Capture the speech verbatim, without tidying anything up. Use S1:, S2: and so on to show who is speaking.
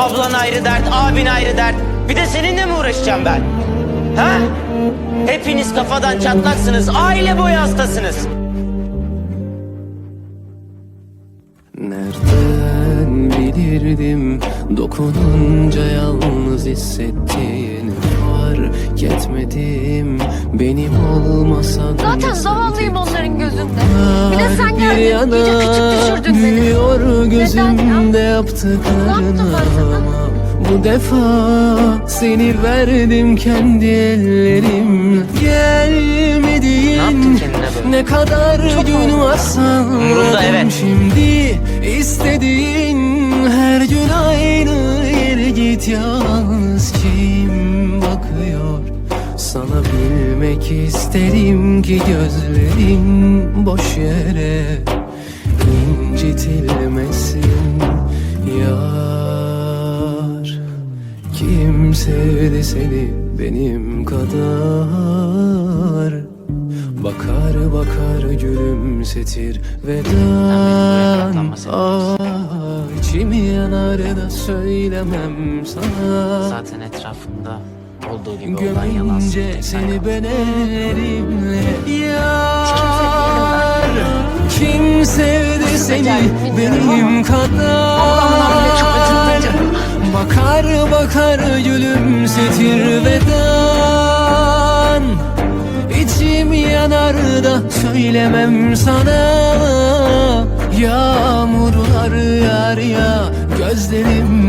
S1: Ablan ayrı dert, abin ayrı dert. Bir de seninle mi uğraşacağım ben? Ha? Hepiniz kafadan çatlaksınız, aile boyu hastasınız.
S2: Nereden bilirdim dokununca yalnız hissettiğini, fark etmedim benim olmasan.
S3: Zaten zavallıyım onların gözünde. Bir de sen geldin,
S2: Bir yana
S3: iyice küçük düşürdün beni.
S2: büyüyor gözümde
S3: ya?
S2: yaptıklarına.
S3: Ne yaptım ben sana?
S2: Bu defa seni verdim kendi ellerimle. Gelmedin.
S1: Ne yaptın kendine böyle?
S2: Ne kadar gün varsa
S1: Umurumda, evet.
S2: şimdi istediğin her gün aynı yere git. Yalnız kim bakıyor sana, bilmek isterim ki gözlerin boş yere incitilmesin yar. Kim sevdi seni benim kadar, bakar bakar gülümsetir veda. Ah, içimi yanar da söylemem sana.
S1: Zaten etrafımda olduğu gibi olan yalan
S2: Gömünce
S1: söyleyecek
S2: seni
S1: hayvan.
S2: ben elimle yar. Kim sevdi seni benim kadar, bakar bakar gülümsetir vedan. İçim yanar da söylemem sana. Yağmurlar yağar ya gözlerim